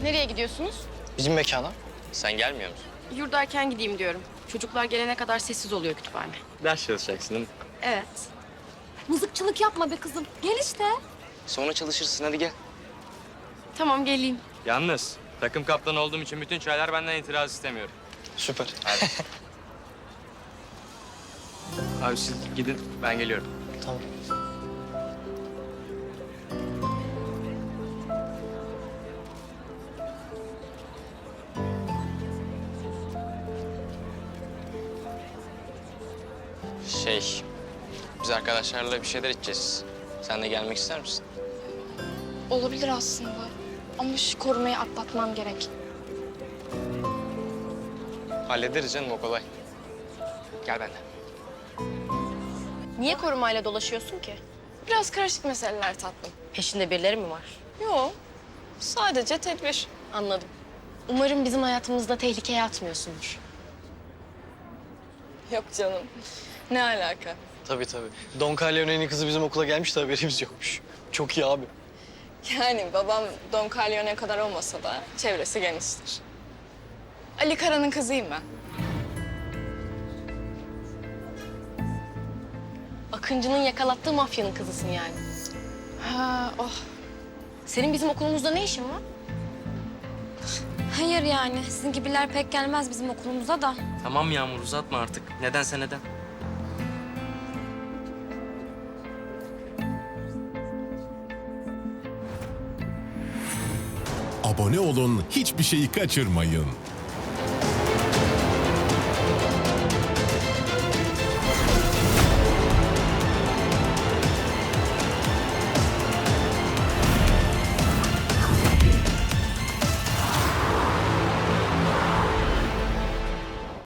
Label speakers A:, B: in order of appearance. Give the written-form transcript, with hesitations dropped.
A: Nereye gidiyorsunuz?
B: Bizim mekana.
C: Sen gelmiyor musun?
A: Yurdayken gideyim diyorum. Çocuklar gelene kadar sessiz oluyor kütüphane.
C: Ders çalışacaksın değil mi?
A: Evet.
D: Mızıkçılık yapma be kızım. Gel işte.
C: Sonra çalışırsın, hadi gel.
A: Tamam geleyim.
C: Yalnız takım kaptanı olduğum için bütün çaylar benden itiraz istemiyorum.
B: Süper.
C: Hadi. Abi siz gidin, ben geliyorum.
B: Tamam.
C: Biz arkadaşlarla bir şeyler içeceğiz. Sen de gelmek ister misin?
D: Olabilir aslında. Ama şu korumayı atlatmam gerek.
C: Hallederiz canım, o kolay. Gel benden.
A: Niye korumayla dolaşıyorsun ki?
D: Biraz karışık meseleler tatlım.
A: Peşinde birileri mi var?
D: Yok. Sadece tedbir.
A: Anladım. Umarım bizim hayatımızda tehlikeye atmıyorsundur.
D: Yok canım. Ne alaka?
B: Tabii tabii. Don Corleone'nin kızı bizim okula gelmiş de haberimiz yokmuş. Çok iyi abi.
D: Yani babam Don Corleone kadar olmasa da çevresi geniştir. Ali Kara'nın kızıyım ben.
A: Akıncı'nın yakalattığı mafyanın kızısın yani.
D: Ha, oh.
A: Senin bizim okulumuzda ne işin var?
E: Hayır yani sizin gibiler pek gelmez bizim okulumuza da.
C: Tamam Yağmur, uzatma artık. Nedense neden?
F: Abone olun, hiçbir şeyi kaçırmayın.